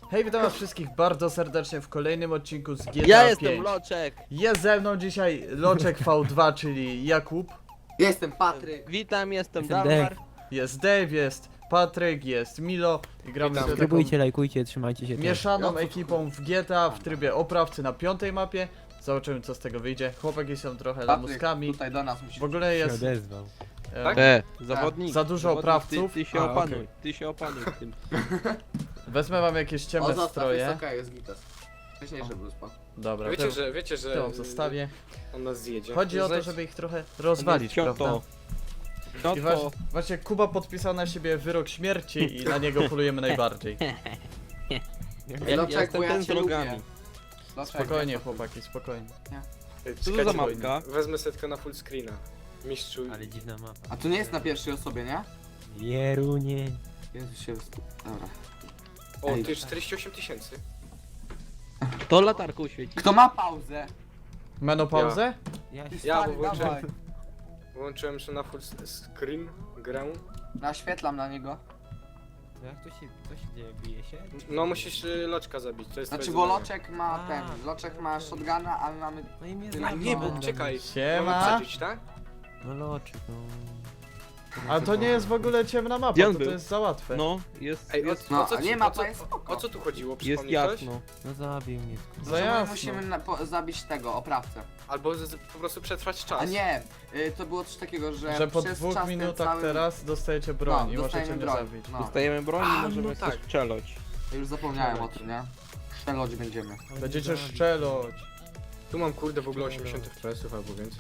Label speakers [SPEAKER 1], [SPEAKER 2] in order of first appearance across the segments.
[SPEAKER 1] Hej, witam was wszystkich bardzo serdecznie w kolejnym odcinku z GTA
[SPEAKER 2] Ja
[SPEAKER 1] 5.
[SPEAKER 2] jestem Loczek.
[SPEAKER 1] Jest ze mną dzisiaj Loczek V2, czyli Jakub.
[SPEAKER 3] Jestem Patryk.
[SPEAKER 2] Witam, jestem
[SPEAKER 4] Jestem
[SPEAKER 2] Dalmar.
[SPEAKER 1] Jest Dave, jest Patryk, jest Milo. I gramy sobie taką
[SPEAKER 4] Subskrybujcie, lajkujcie, trzymajcie się.
[SPEAKER 1] mieszaną ekipą w GTA w trybie oprawcy na 5. mapie. Zobaczymy co z tego wyjdzie. Chłopaki są trochę
[SPEAKER 3] Patryk,
[SPEAKER 1] lamuskami.
[SPEAKER 3] tutaj do nas musisz.
[SPEAKER 1] W ogóle
[SPEAKER 4] się
[SPEAKER 1] jest
[SPEAKER 4] odezwał.
[SPEAKER 3] Tak?
[SPEAKER 2] Zawodnik.
[SPEAKER 1] Za dużo
[SPEAKER 2] Zawodnik,
[SPEAKER 1] oprawców.
[SPEAKER 2] Ty się
[SPEAKER 3] A,
[SPEAKER 2] opanuj,
[SPEAKER 3] okej.
[SPEAKER 2] ty się opanuj w tym.
[SPEAKER 1] Wezmę wam jakieś
[SPEAKER 3] O,
[SPEAKER 1] ciemne
[SPEAKER 3] zostaw,
[SPEAKER 1] stroje.
[SPEAKER 3] jest okej, jest gitas. Wcześniejszy był spoko.
[SPEAKER 1] Dobra,
[SPEAKER 5] Wiecie, że
[SPEAKER 1] to ją zostawię.
[SPEAKER 5] on nas zjedzie.
[SPEAKER 1] Chodzi o to,
[SPEAKER 5] Znajdź-
[SPEAKER 1] żeby ich trochę rozwalić, prawda? I
[SPEAKER 2] Cioto.
[SPEAKER 1] właśnie Kuba podpisał na siebie wyrok śmierci i na niego polujemy najbardziej.
[SPEAKER 2] Ja
[SPEAKER 3] Loczek,
[SPEAKER 2] jestem
[SPEAKER 3] bo ja
[SPEAKER 2] ten z
[SPEAKER 3] cię lubię.
[SPEAKER 2] rogami.
[SPEAKER 3] Loczek,
[SPEAKER 1] Spokojnie
[SPEAKER 3] ja-
[SPEAKER 1] chłopaki, spokojnie.
[SPEAKER 2] Co to za
[SPEAKER 5] Czekajcie,
[SPEAKER 2] mapka?
[SPEAKER 5] Wezmę setkę na full screena. Mistrzu.
[SPEAKER 4] Ale dziwna mapa.
[SPEAKER 3] A tu nie jest na pierwszej osobie, nie?
[SPEAKER 4] Jerunie.
[SPEAKER 3] Jezu się... Dobra.
[SPEAKER 5] O,
[SPEAKER 3] Ej.
[SPEAKER 5] ty 48 tysięcy.
[SPEAKER 2] To latarką świeci.
[SPEAKER 3] Kto ma pauzę?
[SPEAKER 1] Menopauzę?
[SPEAKER 4] Ja się...
[SPEAKER 5] Ja,
[SPEAKER 3] Stary,
[SPEAKER 5] bo włączyłem-
[SPEAKER 3] dawaj.
[SPEAKER 5] Włączyłem się na full screen grę.
[SPEAKER 3] Naświetlam na niego.
[SPEAKER 4] Jak to się dzieje? Bije się?
[SPEAKER 5] No musisz loczka zabić, to jest
[SPEAKER 3] Znaczy,
[SPEAKER 5] twoje
[SPEAKER 3] bo
[SPEAKER 5] zadanie.
[SPEAKER 3] Loczek ma
[SPEAKER 4] A.
[SPEAKER 3] ten. Loczek ma shotguna, ale mamy...
[SPEAKER 4] No i mnie
[SPEAKER 3] Ty,
[SPEAKER 4] zabił.
[SPEAKER 5] Nie, bo czekaj. Mamy
[SPEAKER 1] Siema.
[SPEAKER 5] wsadzić, tak?
[SPEAKER 4] No loczyk, no.
[SPEAKER 1] A to nie jest w ogóle ciemna mapa,
[SPEAKER 2] Gdzie on
[SPEAKER 1] to
[SPEAKER 2] był?
[SPEAKER 1] jest za łatwe.
[SPEAKER 2] No, jest,
[SPEAKER 5] Ej,
[SPEAKER 2] jest,
[SPEAKER 3] No,
[SPEAKER 5] o co
[SPEAKER 3] a
[SPEAKER 5] ci,
[SPEAKER 3] nie,
[SPEAKER 5] o
[SPEAKER 3] mapa
[SPEAKER 5] co,
[SPEAKER 3] jest spoko.
[SPEAKER 5] o co tu chodziło?
[SPEAKER 2] jest
[SPEAKER 5] Przypomnij ktoś?
[SPEAKER 2] jasno.
[SPEAKER 4] No zabił mnie.
[SPEAKER 1] Za
[SPEAKER 3] Może my
[SPEAKER 1] jasno.
[SPEAKER 3] musimy zabić tego, oprawcę.
[SPEAKER 5] Albo po prostu przetrwać czas.
[SPEAKER 3] A nie, to było coś takiego,
[SPEAKER 1] Że po
[SPEAKER 3] przez
[SPEAKER 1] 2
[SPEAKER 3] czas ten
[SPEAKER 1] minutach
[SPEAKER 3] cały...
[SPEAKER 1] teraz dostajecie broń
[SPEAKER 3] No,
[SPEAKER 1] i możecie
[SPEAKER 3] dostajemy
[SPEAKER 1] mnie
[SPEAKER 3] broń.
[SPEAKER 1] zabić.
[SPEAKER 3] No,
[SPEAKER 2] Dostajemy broń i
[SPEAKER 5] A,
[SPEAKER 2] możemy
[SPEAKER 5] no
[SPEAKER 2] sobie
[SPEAKER 5] tak.
[SPEAKER 2] strzelać.
[SPEAKER 3] już zapomniałem o tym, nie? Strzelać będziemy.
[SPEAKER 1] Będziecie szczelać.
[SPEAKER 5] Tu mam kurde w ogóle 80 FPS albo więcej.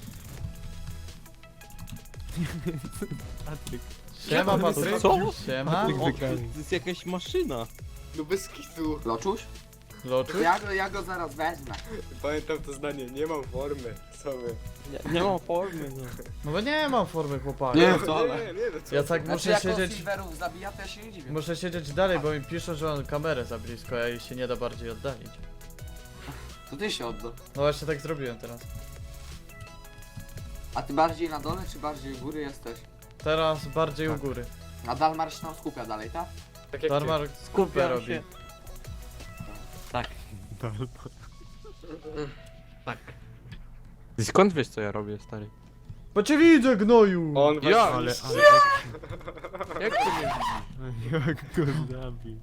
[SPEAKER 4] Patryk.
[SPEAKER 1] Siema Patryk.
[SPEAKER 2] Co?
[SPEAKER 1] Siema.
[SPEAKER 2] O, to jest jakaś maszyna.
[SPEAKER 5] No bez kitu.
[SPEAKER 3] Loczuś?
[SPEAKER 1] Loczu?
[SPEAKER 3] Ja go zaraz wezmę.
[SPEAKER 5] Pamiętam to zdanie, nie mam formy. Co wy?
[SPEAKER 2] Nie mam formy, no.
[SPEAKER 1] No bo nie mam formy chłopaka.
[SPEAKER 3] Nie.
[SPEAKER 5] Nie,
[SPEAKER 3] Wcale.
[SPEAKER 5] nie, no co
[SPEAKER 1] Ja
[SPEAKER 5] ty?
[SPEAKER 1] tak
[SPEAKER 3] Znaczy,
[SPEAKER 1] muszę
[SPEAKER 3] jak
[SPEAKER 1] siedzieć.
[SPEAKER 3] silverów zabija, to ja się nie dziwię.
[SPEAKER 1] Muszę siedzieć dalej, bo mi piszą, że mam kamerę za blisko, a jej się nie da bardziej oddalić.
[SPEAKER 3] To ty się odda.
[SPEAKER 1] No właśnie tak zrobiłem teraz.
[SPEAKER 3] A ty bardziej na dole, czy bardziej u góry jesteś?
[SPEAKER 1] Teraz bardziej u
[SPEAKER 5] Tak.
[SPEAKER 1] góry.
[SPEAKER 3] A Dalmar się tam skupia dalej, tak?
[SPEAKER 5] Tak jak
[SPEAKER 1] Darmar skupę
[SPEAKER 2] Skupiam
[SPEAKER 1] robi.
[SPEAKER 2] się. Tak. Tak. Ty skąd wiesz co ja robię, stary?
[SPEAKER 1] Bo cię widzę, gnoju!
[SPEAKER 5] On
[SPEAKER 2] Ja,
[SPEAKER 5] właśnie...
[SPEAKER 4] Ale...
[SPEAKER 2] Jak to mnie
[SPEAKER 4] Jak go zabił.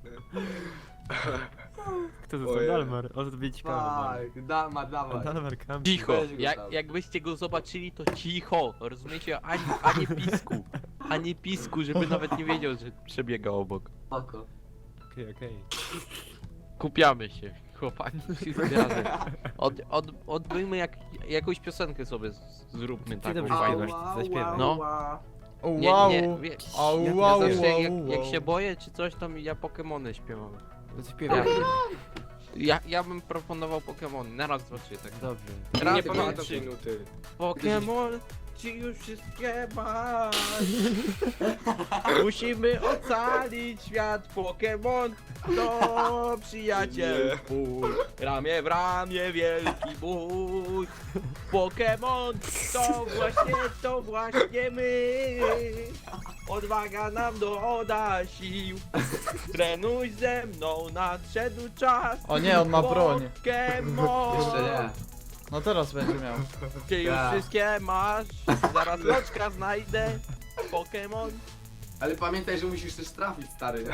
[SPEAKER 4] Kto to
[SPEAKER 5] Ojej.
[SPEAKER 4] jest Dalmar? O, to będzie ciekawe.
[SPEAKER 3] Dalmar, dawaj.
[SPEAKER 4] Dalmar kampi.
[SPEAKER 2] Cicho,
[SPEAKER 3] Weź go tam.
[SPEAKER 2] jakbyście go zobaczyli, to cicho, rozumiecie? Ani pisku, ani pisku, żeby nawet nie wiedział, że przebiega obok.
[SPEAKER 3] Spoko.
[SPEAKER 4] Okej.
[SPEAKER 2] Kupiamy się, chłopaki, wszyscy razem. Odbyjmy jakąś piosenkę sobie, zróbmy
[SPEAKER 4] Ty
[SPEAKER 2] taką
[SPEAKER 4] dobrze
[SPEAKER 2] fajną.
[SPEAKER 4] śpiewasz. Zaśpiewaj.
[SPEAKER 2] No.
[SPEAKER 1] O,
[SPEAKER 2] Nie,
[SPEAKER 1] wow!
[SPEAKER 2] nie, wie,
[SPEAKER 1] Au,
[SPEAKER 4] Ja
[SPEAKER 1] wow,
[SPEAKER 2] zawsze
[SPEAKER 1] wow,
[SPEAKER 2] jak
[SPEAKER 1] wow.
[SPEAKER 2] się boję czy coś, to ja Pokemony śpiewam.
[SPEAKER 4] To śpiewaj.
[SPEAKER 2] Ja bym proponował Pokemony, naraz zobaczycie tak.
[SPEAKER 4] Dobrze.
[SPEAKER 2] Raz,
[SPEAKER 5] Nie
[SPEAKER 2] dwa,
[SPEAKER 5] pamiętam
[SPEAKER 2] trzy.
[SPEAKER 5] tej nuty.
[SPEAKER 2] Pokemon, ci już wszystkie masz. Musimy ocalić świat. Pokemon to przyjaciel
[SPEAKER 5] Nie.
[SPEAKER 2] twój. Ramię w ramię wielki bój. Pokemon to właśnie my. Odwaga nam doda sił. Trenuj ze mną, nadszedł czas.
[SPEAKER 1] O nie, on ma broń.
[SPEAKER 2] Pokemon.
[SPEAKER 3] Jeszcze nie.
[SPEAKER 1] No teraz będzie miał.
[SPEAKER 2] Ty już
[SPEAKER 3] Tak.
[SPEAKER 2] wszystkie masz, zaraz loczka znajdę. Pokemon.
[SPEAKER 3] Ale pamiętaj, że musisz też trafić, stary.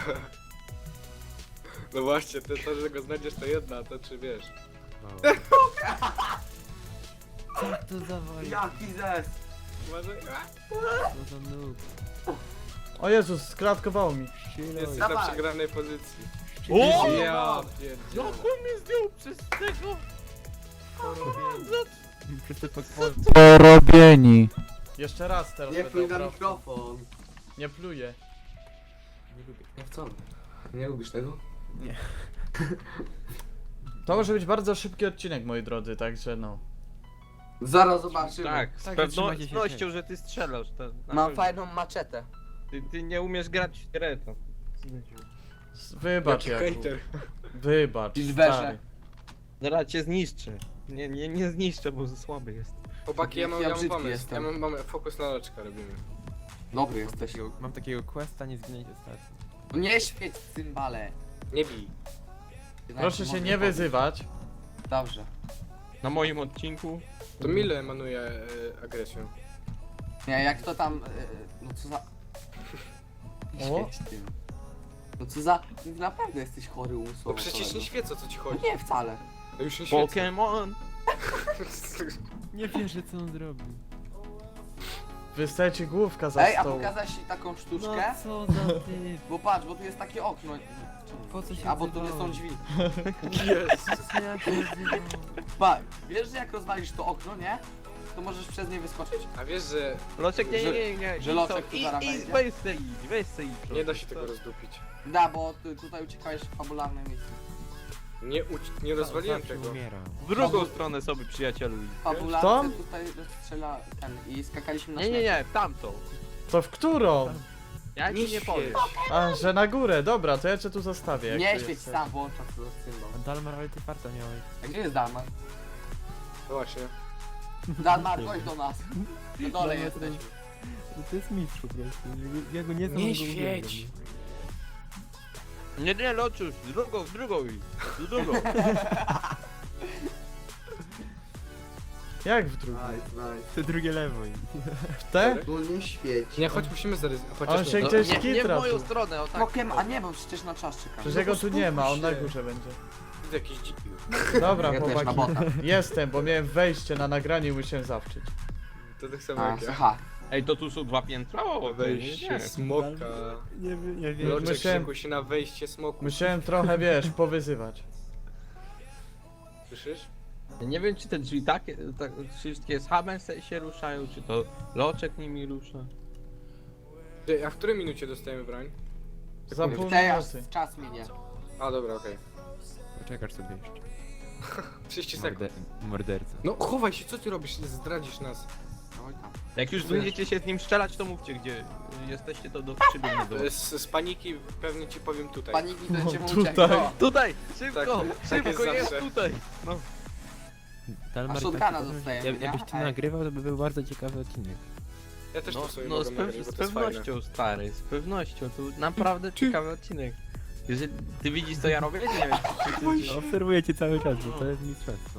[SPEAKER 5] No właśnie, to, że go znajdziesz to jedna, a to czy wiesz.
[SPEAKER 4] Co to za wojna?
[SPEAKER 3] Jaki zes!
[SPEAKER 5] Uważaj.
[SPEAKER 4] Co za noob?
[SPEAKER 1] O Jezus, sklatkowało mi.
[SPEAKER 5] Jesteś
[SPEAKER 3] Dawaj.
[SPEAKER 5] na przegranej pozycji.
[SPEAKER 2] O!
[SPEAKER 5] Ja pierdzielę.
[SPEAKER 2] Jak on mnie zdjął przez tego?
[SPEAKER 4] Przez te Pokemon.
[SPEAKER 1] Porobieni. Jeszcze raz teraz
[SPEAKER 3] Nie
[SPEAKER 1] będę
[SPEAKER 3] pluj na
[SPEAKER 1] opraw-
[SPEAKER 3] mikrofon.
[SPEAKER 1] Nie pluję.
[SPEAKER 4] Nie lubię.
[SPEAKER 3] Jak co? Nie lubisz tego?
[SPEAKER 1] To może być bardzo szybki odcinek, moi drodzy, także no.
[SPEAKER 3] Zaraz zobaczymy.
[SPEAKER 2] Tak, z
[SPEAKER 4] Tak, trzymajcie się
[SPEAKER 2] pewnością, że ty strzelasz. To, na
[SPEAKER 3] Mam
[SPEAKER 2] pewno.
[SPEAKER 3] fajną maczetę.
[SPEAKER 2] Ty nie umiesz grać w grę, to.
[SPEAKER 1] Wybacz,
[SPEAKER 5] Jaki
[SPEAKER 1] Jakub.
[SPEAKER 5] hejter.
[SPEAKER 1] Wybacz,
[SPEAKER 3] Silverze.
[SPEAKER 1] stary.
[SPEAKER 2] Zaraz cię zniszczę. Nie zniszczę, bo słaby jest.
[SPEAKER 5] Chłopaki, ja mam
[SPEAKER 3] brzydki
[SPEAKER 5] pomysł.
[SPEAKER 3] jestem.
[SPEAKER 5] Mamy fokus na loczka robimy.
[SPEAKER 3] Dobry jesteś.
[SPEAKER 4] Mam takiego questa, nie zginęć ostatnio.
[SPEAKER 3] Nie świeć cymbale.
[SPEAKER 5] Nie bij.
[SPEAKER 1] Proszę się nie wyzywać.
[SPEAKER 3] Dobrze.
[SPEAKER 2] Na moim odcinku.
[SPEAKER 5] To Mile emanuje agresją.
[SPEAKER 3] Nie, jak to tam... no co za...
[SPEAKER 1] O.
[SPEAKER 3] Świeć tym. No co za... Naprawdę jesteś chory umysłowo.
[SPEAKER 5] No przecież
[SPEAKER 3] kolego.
[SPEAKER 5] nie świecę, o co ci chodzi.
[SPEAKER 3] Nie, wcale.
[SPEAKER 5] No już nie świecę.
[SPEAKER 2] Pokémon!
[SPEAKER 4] Nie wierzę co on zrobił.
[SPEAKER 1] Wystaje ci główka za
[SPEAKER 3] Ej, a
[SPEAKER 1] stołu.
[SPEAKER 3] pokazać ci taką
[SPEAKER 4] No
[SPEAKER 3] sztuczkę?
[SPEAKER 4] co za ty.
[SPEAKER 3] Bo patrz, bo tu jest takie okno.
[SPEAKER 4] Po co się
[SPEAKER 3] A bo to nie są
[SPEAKER 4] odzywałeś?
[SPEAKER 3] drzwi.
[SPEAKER 5] Jezus.
[SPEAKER 4] Co ja się odzywałem?
[SPEAKER 3] Pa, wiesz, że jak rozwalisz to okno, nie? To możesz przez nie wyskoczyć.
[SPEAKER 5] A wiesz, że
[SPEAKER 2] Loczek, nie,
[SPEAKER 3] Że-
[SPEAKER 2] nie, nie.
[SPEAKER 3] że
[SPEAKER 2] I
[SPEAKER 3] Loczek
[SPEAKER 2] co?
[SPEAKER 3] tu zaraz
[SPEAKER 2] I
[SPEAKER 3] wejdzie.
[SPEAKER 2] weź se idź.
[SPEAKER 5] nie da się tego rozdupić.
[SPEAKER 3] Da, bo ty tutaj uciekałeś w fabularne miejsce.
[SPEAKER 5] Nie rozwaliłem
[SPEAKER 4] Zawsze
[SPEAKER 5] tego.
[SPEAKER 4] umieram.
[SPEAKER 2] W drugą stronę sobie, przyjacielu.
[SPEAKER 3] Fabularne tutaj rozstrzela ten i skakaliśmy na
[SPEAKER 2] Nie, nie, nie, w tamtą.
[SPEAKER 1] To w którą?
[SPEAKER 2] Ja ci nie powiem.
[SPEAKER 1] A, że na górę, dobra, to ja cię tu zostawię. jak
[SPEAKER 3] Nie
[SPEAKER 1] tu
[SPEAKER 3] świeć
[SPEAKER 1] jesteś.
[SPEAKER 3] sam, włącza to symbol.
[SPEAKER 4] A Dalmar, ale ty farta miałeś.
[SPEAKER 3] A gdzie jest Dalmar?
[SPEAKER 5] No właśnie.
[SPEAKER 3] Dalmar, chodź do nas. Na dole
[SPEAKER 4] Dalmar
[SPEAKER 3] jesteśmy.
[SPEAKER 4] No to jest mistrz po prostu. Ja go nie znam.
[SPEAKER 5] Nie
[SPEAKER 4] ale go
[SPEAKER 5] świeć.
[SPEAKER 4] uwielbiam.
[SPEAKER 2] Nie, Loczuś, w drugą idź. W drugą.
[SPEAKER 1] Jak w drugą?
[SPEAKER 4] To drugie lewo.
[SPEAKER 1] W te?
[SPEAKER 3] No nie świeć.
[SPEAKER 5] Nie, choć musimy zaryzykować.
[SPEAKER 1] On się gdzieś
[SPEAKER 2] nie, nie w
[SPEAKER 1] kitra
[SPEAKER 2] moją
[SPEAKER 1] tu.
[SPEAKER 2] stronę, o tak.
[SPEAKER 3] Pokiem, a nie, bo przecież na czas czekam.
[SPEAKER 1] Przecież jego tu nie ma, on na
[SPEAKER 5] się.
[SPEAKER 1] górze będzie.
[SPEAKER 5] Widzę jakiś dziki.
[SPEAKER 1] Dobra,
[SPEAKER 3] Ja też na
[SPEAKER 1] chłopaki.
[SPEAKER 3] bota.
[SPEAKER 1] Jestem, bo miałem wejście na nagranie i musiałem zawczyć.
[SPEAKER 5] To tak samo
[SPEAKER 3] A,
[SPEAKER 5] jak ja.
[SPEAKER 3] aha.
[SPEAKER 2] Ej, to tu są 2 piętra? O,
[SPEAKER 5] Wejście smoka.
[SPEAKER 4] Nie wiem.
[SPEAKER 5] Loczek
[SPEAKER 1] Musiałem-
[SPEAKER 5] szykuj się na wejście smoku.
[SPEAKER 1] Musiałem trochę, wiesz, powyzywać.
[SPEAKER 5] Słyszysz?
[SPEAKER 2] Ja nie wiem, czy te drzwi takie, tak, wszystkie z hubem się ruszają, czy to Loczek nimi rusza.
[SPEAKER 5] Ty, a w której minucie dostajemy broń?
[SPEAKER 1] Za pół
[SPEAKER 3] Teraz
[SPEAKER 1] minuty.
[SPEAKER 3] czas minie.
[SPEAKER 5] A dobra, okej.
[SPEAKER 4] Poczekasz sobie jeszcze.
[SPEAKER 5] 30 sekund.
[SPEAKER 4] Morderca.
[SPEAKER 5] No chowaj się, co ty robisz? Zdradzisz nas.
[SPEAKER 3] Oj tam.
[SPEAKER 2] Jak już będziecie się z nim strzelać, to mówcie, gdzie jesteście, to przybiegnie do was.
[SPEAKER 5] Z paniki pewnie ci powiem tutaj.
[SPEAKER 3] Paniki to cię
[SPEAKER 1] tutaj.
[SPEAKER 3] uciekł. No.
[SPEAKER 2] Tutaj! Szybko!
[SPEAKER 5] Tak
[SPEAKER 2] Szybko,
[SPEAKER 5] jest
[SPEAKER 2] jest
[SPEAKER 5] zawsze.
[SPEAKER 2] tutaj! No.
[SPEAKER 4] Dalmar,
[SPEAKER 3] A shotguna
[SPEAKER 4] taki-
[SPEAKER 3] dostajemy, nie?
[SPEAKER 4] Jakbyś ty
[SPEAKER 3] Ej.
[SPEAKER 4] nagrywał, to by był bardzo ciekawy odcinek.
[SPEAKER 5] Ja też
[SPEAKER 2] No,
[SPEAKER 5] to sobie
[SPEAKER 2] no
[SPEAKER 5] mogę
[SPEAKER 2] z,
[SPEAKER 5] nagrać, bo
[SPEAKER 2] z
[SPEAKER 5] to jest fajne.
[SPEAKER 2] pewnością, stary, z pewnością. To naprawdę ciekawy odcinek. Jeżeli ty widzisz, co ja robię? Nie wiem, czy ty...
[SPEAKER 4] No, obserwuję cię cały czas, bo to jest mistrzostwo.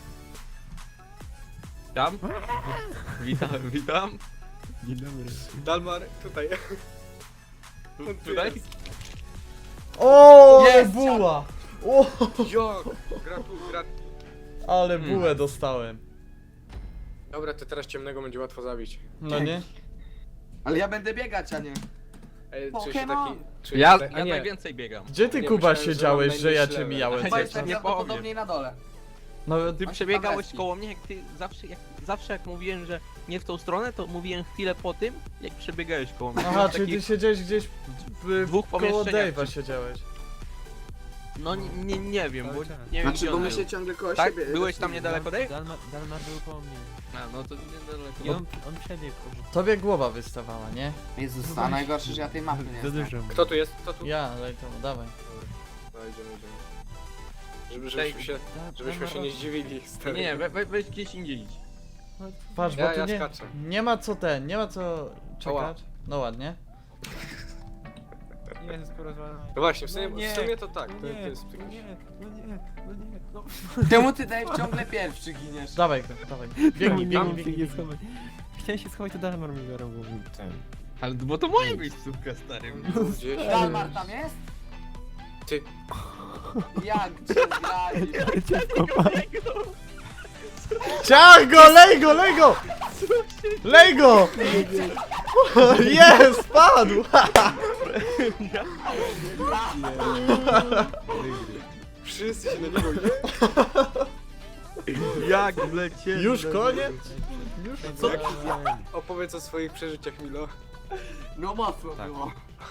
[SPEAKER 2] Tam? Witam.
[SPEAKER 4] Dzień dobry.
[SPEAKER 5] Dalmar, tutaj.
[SPEAKER 2] Tutaj?
[SPEAKER 1] O,
[SPEAKER 3] Jest!
[SPEAKER 1] buła! O,
[SPEAKER 5] Jo! Grat.
[SPEAKER 1] ale bułę dostałem.
[SPEAKER 5] Dobra, to teraz ciemnego będzie łatwo zabić.
[SPEAKER 1] No nie?
[SPEAKER 3] Ale ja będę biegać, a nie.
[SPEAKER 5] Ej, czuję się
[SPEAKER 3] Pokémon.
[SPEAKER 5] taki... czuję
[SPEAKER 2] Ja,
[SPEAKER 5] się tak- a
[SPEAKER 2] ja
[SPEAKER 5] nie,
[SPEAKER 2] najwięcej biegam.
[SPEAKER 1] Gdzie ty,
[SPEAKER 5] Nie,
[SPEAKER 1] Kuba,
[SPEAKER 5] myślałem, że
[SPEAKER 1] siedziałeś,
[SPEAKER 5] mam
[SPEAKER 1] że ja
[SPEAKER 5] najniższy
[SPEAKER 1] cię
[SPEAKER 5] level.
[SPEAKER 1] mijałem?
[SPEAKER 2] Ej,
[SPEAKER 3] Chyba
[SPEAKER 2] nie
[SPEAKER 3] jestem
[SPEAKER 2] powiem.
[SPEAKER 3] prawdopodobnie na dole.
[SPEAKER 1] No,
[SPEAKER 2] Ty
[SPEAKER 3] On się
[SPEAKER 2] przebiegałeś
[SPEAKER 3] pawęski.
[SPEAKER 2] koło mnie, jak ty zawsze jak mówiłem, że nie w tą stronę, to mówiłem chwilę po tym, jak przebiegałeś koło mnie.
[SPEAKER 1] aha,
[SPEAKER 2] Byłem
[SPEAKER 1] czyli
[SPEAKER 2] taki-
[SPEAKER 1] ty siedziałeś gdzieś
[SPEAKER 2] dwóch
[SPEAKER 1] koło
[SPEAKER 2] pomieszczeniach.
[SPEAKER 1] Dave'a siedziałeś.
[SPEAKER 2] No nie wiem, bo
[SPEAKER 4] Cały czas.
[SPEAKER 2] nie wiem
[SPEAKER 3] Znaczy,
[SPEAKER 2] gdzie
[SPEAKER 3] bo
[SPEAKER 2] on
[SPEAKER 3] my
[SPEAKER 2] był.
[SPEAKER 3] się ciągle koło
[SPEAKER 2] Tak?
[SPEAKER 3] siebie...
[SPEAKER 2] Byłeś tam niedaleko, Dave?
[SPEAKER 4] Dalmar był po mnie.
[SPEAKER 2] A, no to niedaleko.
[SPEAKER 4] I on przebiegł.
[SPEAKER 1] Tobie głowa wystawała, nie?
[SPEAKER 3] Jezus, a najgorsze, że ja tej mapy nie
[SPEAKER 4] Za
[SPEAKER 3] znam.
[SPEAKER 4] dużo.
[SPEAKER 5] Kto tu jest? Kto tu?
[SPEAKER 1] Ja, daj to, dawaj.
[SPEAKER 5] No idziemy. Żebyśmy się nie zdziwili, stary.
[SPEAKER 2] Nie, weź gdzieś indziej idź.
[SPEAKER 1] Patrz, bo
[SPEAKER 5] Ja
[SPEAKER 1] tu
[SPEAKER 5] skaczę.
[SPEAKER 1] nie ma co nie ma co
[SPEAKER 5] Ała.
[SPEAKER 1] czekać. No ładnie.
[SPEAKER 4] Jezus, porozwalamy.
[SPEAKER 5] No właśnie, w
[SPEAKER 4] No
[SPEAKER 5] sumie,
[SPEAKER 4] nie,
[SPEAKER 5] w sumie to tak,
[SPEAKER 4] No
[SPEAKER 5] to
[SPEAKER 4] nie,
[SPEAKER 5] jest
[SPEAKER 4] no
[SPEAKER 5] jakiś...
[SPEAKER 4] nie, no nie, no nie, no.
[SPEAKER 3] Czemu ty, Dave, ciągle pierwszy giniesz?
[SPEAKER 1] Dawaj go, dawaj. Biegnij,
[SPEAKER 4] Nie
[SPEAKER 1] biegnij,
[SPEAKER 4] się
[SPEAKER 1] biegnij.
[SPEAKER 4] nie schować. Chciałem się schować, to Dalmar mi zaraz mówił.
[SPEAKER 2] Ale bo to moja miejscówka, stary.
[SPEAKER 5] Gdzieś.
[SPEAKER 3] Dalmar tam jest?
[SPEAKER 5] Ty,
[SPEAKER 3] Jak cię zgrali?
[SPEAKER 1] Ciach go, lej go, lej go! Lej go! Jest, padł!
[SPEAKER 5] wszyscy się na niego
[SPEAKER 2] Jak wlecieli.
[SPEAKER 1] Już koniec?
[SPEAKER 5] Co? Opowiedz o swoich przeżyciach, Milo.
[SPEAKER 3] No mocno
[SPEAKER 4] Tak.
[SPEAKER 3] było.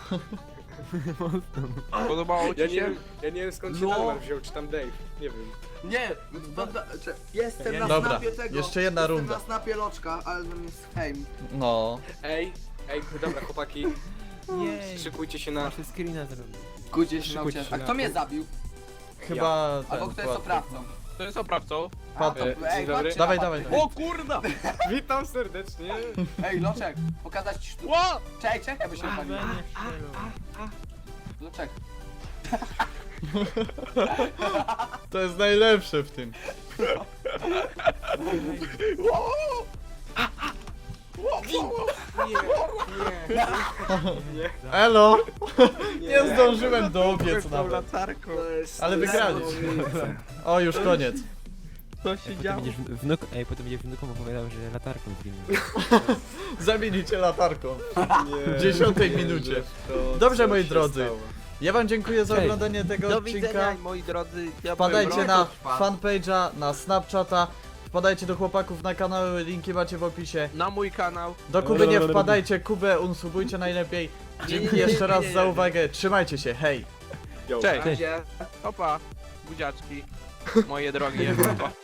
[SPEAKER 2] Podobało
[SPEAKER 5] Ja
[SPEAKER 2] ci
[SPEAKER 5] nie,
[SPEAKER 2] się?
[SPEAKER 5] wiem, ja nie wiem skąd się
[SPEAKER 3] No.
[SPEAKER 5] Dalmar wziął, czy tam Dave. Nie wiem.
[SPEAKER 3] Nie, jestem na
[SPEAKER 1] Dobra,
[SPEAKER 3] snapie tego.
[SPEAKER 1] jeszcze jedna
[SPEAKER 3] jestem
[SPEAKER 1] runda.
[SPEAKER 3] na snapie loczka, ale to jest fame.
[SPEAKER 1] No.
[SPEAKER 5] Ej, dobra chłopaki,
[SPEAKER 4] Jej.
[SPEAKER 5] szykujcie się na...
[SPEAKER 4] Muszę screena zrobić.
[SPEAKER 3] Gudzie się
[SPEAKER 5] Szykujcie
[SPEAKER 3] nauczyłem.
[SPEAKER 5] się
[SPEAKER 3] A
[SPEAKER 5] na-
[SPEAKER 3] kto mnie zabił?
[SPEAKER 1] Chyba
[SPEAKER 3] Albo
[SPEAKER 1] ten,
[SPEAKER 3] kto jest oprawcą?
[SPEAKER 2] To jest oprawcą.
[SPEAKER 3] A,
[SPEAKER 1] Patrz.
[SPEAKER 3] to,
[SPEAKER 5] Dzień dobry.
[SPEAKER 3] chodźcie
[SPEAKER 1] Dawaj,
[SPEAKER 3] na
[SPEAKER 1] dawaj,
[SPEAKER 3] patyk.
[SPEAKER 2] O kurda!
[SPEAKER 5] Witam serdecznie.
[SPEAKER 3] Ej, Loczek, pokazać ci sztukę.
[SPEAKER 2] Ło!
[SPEAKER 3] Czekaj, czekaj, bo się
[SPEAKER 4] A,
[SPEAKER 3] palił.
[SPEAKER 4] nie strzelał.
[SPEAKER 3] Loczek.
[SPEAKER 1] To jest najlepsze w tym. Elo! Nie zdążyłem dobiec nawet.
[SPEAKER 2] latarką.
[SPEAKER 1] Ale wygraliśmy. O, już koniec.
[SPEAKER 2] Co się
[SPEAKER 4] Potem
[SPEAKER 2] działo?
[SPEAKER 4] będziesz potem będziesz wnukom opowiadał, że latarką zginął.
[SPEAKER 1] Zamienicie latarką.
[SPEAKER 5] Nie,
[SPEAKER 1] W 10
[SPEAKER 5] nie,
[SPEAKER 1] minucie.
[SPEAKER 5] że to,
[SPEAKER 1] Dobrze,
[SPEAKER 5] co
[SPEAKER 1] moi
[SPEAKER 5] się
[SPEAKER 1] drodzy.
[SPEAKER 5] stało.
[SPEAKER 1] Ja wam dziękuję za
[SPEAKER 4] Cześć.
[SPEAKER 1] oglądanie tego
[SPEAKER 2] Do
[SPEAKER 1] odcinka.
[SPEAKER 2] widzenia, moi drodzy. Ja
[SPEAKER 1] Wpadajcie
[SPEAKER 2] byłem
[SPEAKER 1] na
[SPEAKER 3] wpadł.
[SPEAKER 1] fanpage'a, na Snapchata. Wpadajcie do chłopaków na kanały, linki macie w opisie.
[SPEAKER 2] na mój kanał.
[SPEAKER 1] Do Kuby nie wpadajcie, Kubę unsubujcie najlepiej. Dzięki jeszcze raz za uwagę. Trzymajcie się, hej!
[SPEAKER 5] Yo.
[SPEAKER 2] Cześć.
[SPEAKER 3] Razie.
[SPEAKER 2] Opa, buziaczki. Moje drogie. Pa.